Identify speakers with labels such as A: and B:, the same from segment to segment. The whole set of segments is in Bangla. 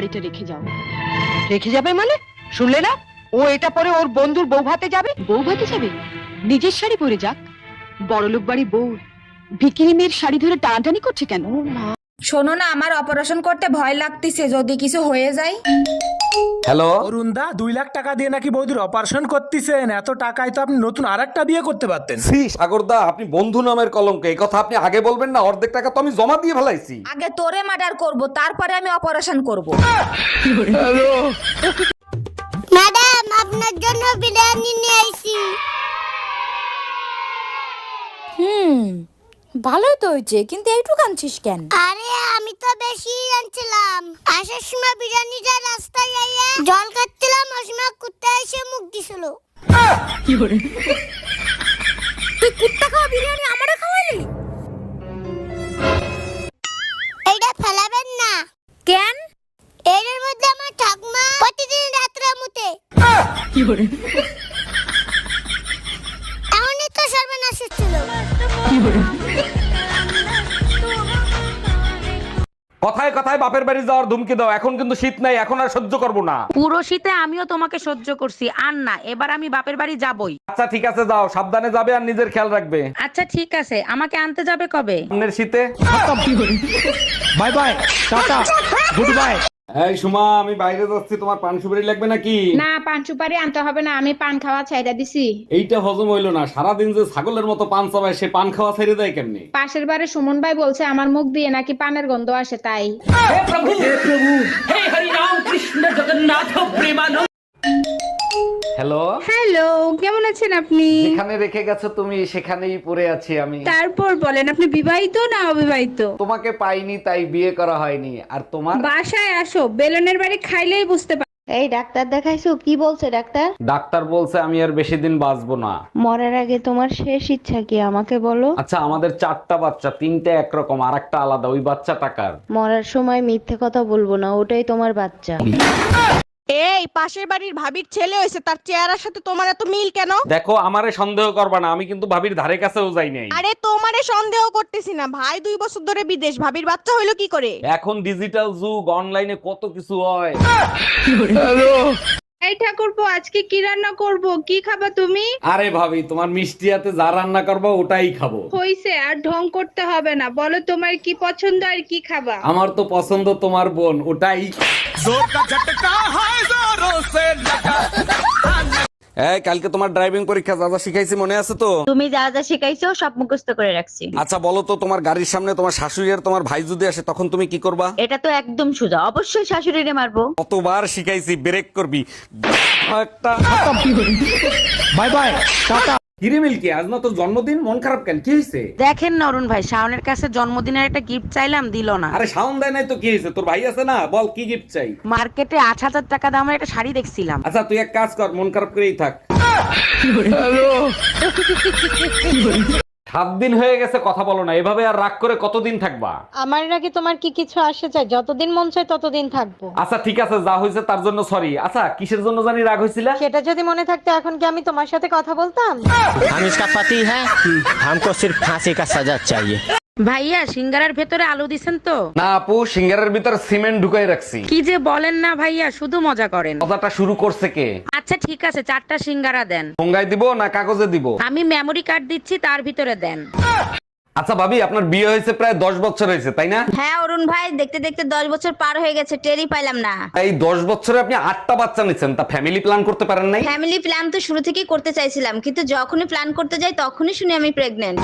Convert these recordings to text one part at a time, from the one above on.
A: শাড়িটা রেখে যাও।
B: রেখে যাবে মানে? শুনলে না, ও এটা পরে ওর বন্ধুর বউ ভাতে যাবে।
A: বউ ভাতে যাবে? নিজের শাড়ি পরে যাক। বড়লোক বাড়ি বউ ভিকিরি মেয়ের শাড়ি ধরে টানাটানি করছে কেন?
C: শোনো না, আমার অপারেশন করতে ভয় লাগতেছে, যদি কিছু হয়ে যায়।
D: হ্যালো
E: অরুণ দা, 2 লাখ টাকা দিয়ে নাকি বৌদির অপারেশন করতেছেন? এত টাকায় তো আপনি নতুন আরেকটা বিয়ে করতে পারতেন।
D: সি সাগরদা, আপনি বন্ধু নামের কলঙ্ক। এই কথা আপনি আগে বলবেন না? অর্ধেক টাকা তো আমি জমা দিয়ে ফেলাইছি।
C: আগে তোরে মার্ডার করব, তারপরে আমি অপারেশন করব।
F: ম্যাডাম, আপনার জন্য বিরিয়ানি নিয়ে আইছি।
G: ভালোই তো হয়েছে, কিন্তু এইটুকু আনছিস কেন?
F: আরে আমি তো বেশি আনছিলাম। আসার সময় বিরিয়ানিটা রাস্তায় আইয়া জল খাচ্ছিলাম, ওই সময় কুত্তা এসে মুখ দিছিল।
G: তুই কুত্তা খাওয়া বিরিয়ানি আমারে খাওয়ালি?
F: এইটা ফেলাবেন না।
G: কেন?
F: এর মধ্যে আমার ঠাকুমা প্রতিদিন রাত্রে মুতে। এমনই তো সর্বনাশ ছিল।
D: কথায় কথায় বাপের বাড়ি যাওয়ার ধুমকি দাও। এখন কিন্তু শীত নাই, এখন আর সহ্য করবো না।
H: পুরো শীতে আমিও তোমাকে সহ্য করছি, আর না, এবার আমি বাপের বাড়ি যাবই।
D: আচ্ছা ঠিক আছে, যাও, সাবধানে যাবে আর নিজের খেয়াল রাখবে।
H: আচ্ছা ঠিক আছে, আমাকে আনতে যাবে কবে?
D: সামনের শীতে।
E: Bye bye, tata, good bye.
D: এই সুমা, আমি বাইরে যাচ্ছি, তোমার পান সুপারি লাগবে নাকি?
I: না, পান সুপারি আনতে হবে না, আমি পান খাওয়া ছাইড়া দিছি।
D: এইটা হজম হইলো না, সারাদিন যে ছাগলের মতো পান চাবায়, সে পান খাওয়া ছেড়ে দেয় কেমনি?
I: পাশের বাড়ি সুমন ভাই বলছে আমার মুখ দিয়ে নাকি পানের গন্ধ আসে, তাই।
D: হ্যালো
I: হ্যালো, কেমন আছেন আপনি?
D: যেখানে রেখে গেছো তুমি সেখানেই পড়ে আছি আমি।
I: তারপর বলেন, আপনি বিবাহিত না অবিবাহিত?
D: তোমাকে পাইনি তাই বিয়ে করা হয়নি। আর তোমার?
I: বাসায় আসো, বেলনের বাড়ি খাইলেই বুঝতে পার।
J: এই ডাক্তার দেখাইছো? কি বলছে ডাক্তার?
D: ডাক্তার বলছে আমি আর বেশি দিন বাঁচবো না।
J: মরার আগে তোমার শেষ ইচ্ছা কি আমাকে বলো?
D: আচ্ছা, আমাদের 4টা বাচ্চা, 3টে একরকম আর একটা আলাদা। ওই বাচ্চা টাকার।
J: মরার সময় মিথ্যে কথা বলবো না, ওটাই তোমার বাচ্চা।
H: এই পাশের বাড়ির ভাবির ছেলে হয়েছে, তার চেহারার সাথে তোমার এত মিল কেন?
D: দেখো, আমারে সন্দেহ করবা না, আমি কিন্তু ভাবির ধারে কাছেও যাই নাই।
H: আরে তোমারে সন্দেহ করতেছি না, ভাই 2 বছর ধরে বিদেশ, ভাবির বাচ্চা হইলো কি করে?
D: এখন ডিজিটাল যুগ, অনলাইনে কত কিছু হয়।
I: এই ঠাকুরপো, আজকে কি রান্না করব? কি খাবা তুমি?
D: আরে ভাবি, তোমার মিষ্টি হাতে যা রান্না করবো ওটাই খাবো।
I: হইছে, আর ঢং করতে হবে না, বলো তোমার কি পছন্দ আর কি খাবা?
D: আমার তো পছন্দ তোমার বোন, ওটাই। এই কালকে তোমার ড্রাইভিং পরীক্ষা, যা যা শিখাইছি মনে আছে তো?
J: তুমি যা যা শিখাইছো সব মুখস্থ করে রাখছি।
D: আচ্ছা বলো তো, তোমার গাড়ির সামনে তোমার শাশুড়ি আর তোমার ভাই যদি আসে, তখন তুমি কি করবা?
J: এটা তো একদম সোজা, অবশ্যই শাশুড়িরে মারবো।
D: কতবার শিখাইছি, ব্রেক করবি একটা।
E: Bye bye, tata.
D: কিরে মিল্কি, আজ না তোর জন্মদিন, মন খারাপ কেন? কি হয়েছে?
H: দেখেন না অরুণ ভাই, শাওনের কাছে জন্মদিনের একটা গিফট চাইলাম, দিল না।
D: আরে শাওন দেয় নাই তো কি হয়েছে? তোর ভাই আছে না, বল কি গিফট চাই?
H: মার্কেটে 8,000 টাকা দামের একটা শাড়ি দেখছিলাম।
D: আচ্ছা তুই এক কাজ কর, মন খারাপ করেই থাক। 7 দিন হয়ে গেছে কথা বলো না, এভাবে আর রাগ করে কতদিন থাকবা?
J: আমার নাকি তোমার কি কিছু আসে চাই? যতদিন মন চায় ততদিন থাকবো।
D: আচ্ছা ঠিক আছে, যা হয়েছে তার জন্য সরি। আচ্ছা কিসের জন্য জানি রাগ হয়েছিল?
J: সেটা যদি মনে থাকতো এখন কি আমি তোমার সাথে কথা বলতাম?
K: हम इसका पति है, हमको सिर्फ फांसी का सजा चाहिए।
H: ভাইয়া, সিঙ্গারার ভেতরে আলু দিছেন তো?
D: না আপু, সিঙ্গারের ভিতর সিমেন্ট ঢুকাই রাখছি।
H: কি যে বলেন না ভাইয়া, শুধু মজা করেন।
D: কথাটা শুরু করছে কে?
H: আচ্ছা ঠিক আছে, 4টা সিঙ্গারা দেন।
D: ঠোঙ্গায় দিব না কাগজে দিব?
H: আমি মেমরি কার্ড দিচ্ছি, তার ভিতরে দেন।
D: আচ্ছা ভাবি, আপনার বিয়ে হয়েছে প্রায় 10 বছর হয়েছে তাই না?
J: হ্যাঁ অরুণ ভাই, দেখতে দেখতে 10 বছর পার হয়ে গেছে, টেরই পাইলাম না।
D: এই 10 বছরে আপনি 8টা বাচ্চা নিচ্ছেন, তা ফ্যামিলি প্ল্যান করতে পারেন নাই?
J: ফ্যামিলি প্ল্যান তো শুরু থেকেই করতে চাইছিলাম, কিন্তু যখনই প্ল্যান করতে যাই তখনই শুনি আমি প্রেগন্যান্ট।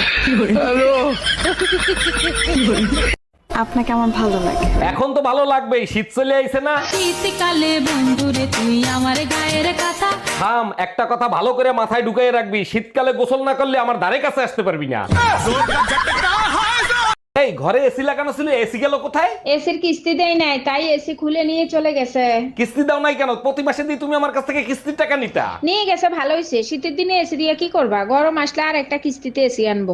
A: আপনাকে আমার ভালো লাগে।
D: এখন তো ভালো লাগবেই, শীত চলে আইছে না?
G: শীতকালে বন্ধুরে তুই আমার গায়ের কথা।
D: থাম, একটা কথা ভালো করে মাথায় ঢুকাই রাখবি, শীতকালে গোসল না করলে আমার ধারে কাছে আসতে পারবি না। এই ঘরে এসি লাগানো ছিল, এসি গেল কোথায়?
I: এসির কিস্তি দেয় নাই, তাই এসি খুলে নিয়ে চলে গেছে।
D: কিস্তি দাও নাই কেন? প্রতি মাসে দিয়ে তুমি আমার কাছ থেকে কিস্তির টাকা নিতা।
I: নিয়ে গেছে, ভালো হয়েছে। শীতের দিনে এসি দিয়ে কি করবা? গরম আসলে আর একটা কিস্তিতে এসি আনবো।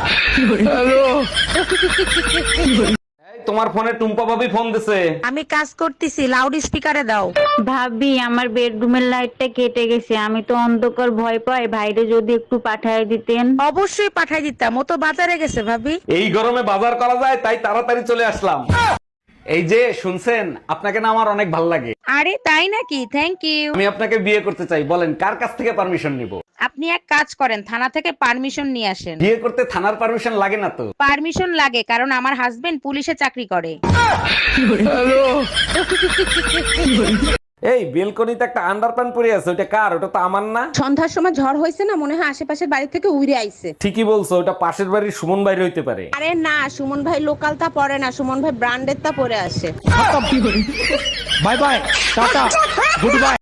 D: এই তোমার ফোনে টুম্পা ভাবি ফোন দিছে।
H: আমি কাজ করতেছি, লাউড স্পিকারে দাও।
J: ভাবি, আমার বেডরুমের লাইটটা কেটে গেছে, আমি তো অন্ধকার ভয় পাই, ভাইরে যদি একটু পাঠায় দিতেন।
H: অবশ্যই পাঠাই দিতাম, ও তো বাজারে গেছে ভাবি।
D: এই গরমে বাজার করা যায়, তাই তাড়াতাড়ি চলে আসলাম। এই যে শুনছেন, আপনাকে না আমার অনেক ভালো লাগে।
H: আরে তাই নাকি? Thank you.
D: আমি আপনাকে বিয়ে করতে চাই, বলেন কার কাছ থেকে পারমিশন নিব?
H: আপনি এক কাজ করেন, থানা থেকে পারমিশন নিয়ে আসেন।
D: বিয়ে করতে থানার পারমিশন লাগে না তো?
H: পারমিশন লাগে, কারণ আমার হাজবেন্ড পুলিশে চাকরি করে।
D: এই বেলকনিতে একটা আন্ডারপ্যান্ট পরে আছে, ওটা কার? ওটা তো আমার না।
H: সন্ধ্যার সময় ঝড় হয়েছে না, মনে হয় আশেপাশের বাড়ি থেকে উড়ে আইছে।
D: ঠিকই বলছো, ওটা পাশের বাড়ির সুমন বাইরে হইতে পারে।
H: আরে না, সুমন ভাই লোকাল তা পরে না, সুমন ভাই ব্র্যান্ডের তা পরে আসে।
E: Bye bye, tata, good by.